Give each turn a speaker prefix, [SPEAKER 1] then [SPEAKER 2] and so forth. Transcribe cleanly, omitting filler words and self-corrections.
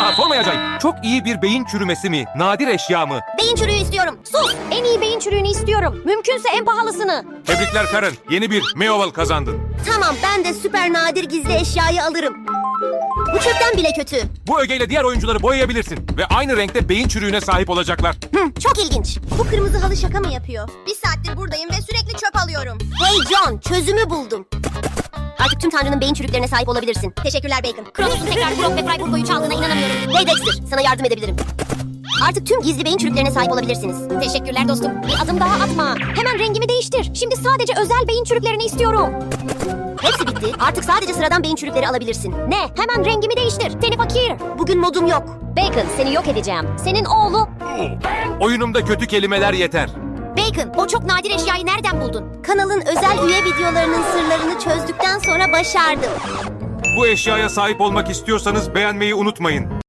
[SPEAKER 1] Asla sormayacağım. Çok iyi bir beyin çürümesi mi? Nadir eşya mı?
[SPEAKER 2] Beyin çürüğü istiyorum. Sus! En iyi beyin çürüğünü istiyorum. Mümkünse en pahalısını.
[SPEAKER 1] Tebrikler Karen. Yeni bir Meoval kazandın.
[SPEAKER 2] Tamam, ben de süper nadir gizli eşyayı alırım. Bu çöpten bile kötü.
[SPEAKER 1] Bu ögeyle diğer oyuncuları boyayabilirsin. Ve aynı renkte beyin çürüğüne sahip olacaklar.
[SPEAKER 2] Çok ilginç. Bu kırmızı halı şaka mı yapıyor?
[SPEAKER 3] Bir saattir buradayım ve sürekli çöp alıyorum.
[SPEAKER 2] Hey John, çözümü buldum. Artık tüm Tanrı'nın beyin çürüklerine sahip olabilirsin.
[SPEAKER 3] Teşekkürler Bacon.
[SPEAKER 2] Cross'un tekrar Brock ve Freiburg'u çaldığına inanamıyorum. Hey Dexter, sana yardım edebilirim. Artık tüm gizli beyin çürüklerine sahip olabilirsiniz.
[SPEAKER 3] Teşekkürler dostum.
[SPEAKER 2] Bir adım daha atma. Hemen rengimi değiştir. Şimdi sadece özel beyin çürüklerini istiyorum. Hepsi bitti. Artık sadece sıradan beyin çürükleri alabilirsin. Ne? Hemen rengimi değiştir. Seni fakir. Bugün modum yok. Bacon, seni yok edeceğim. Senin oğlu...
[SPEAKER 1] Oyunumda kötü kelimeler yeter.
[SPEAKER 2] Bacon, o çok nadir eşyayı nereden buldun? Kanalın özel üye videolarının sırlarını çözdükten sonra başardım.
[SPEAKER 1] Bu eşyaya sahip olmak istiyorsanız beğenmeyi unutmayın.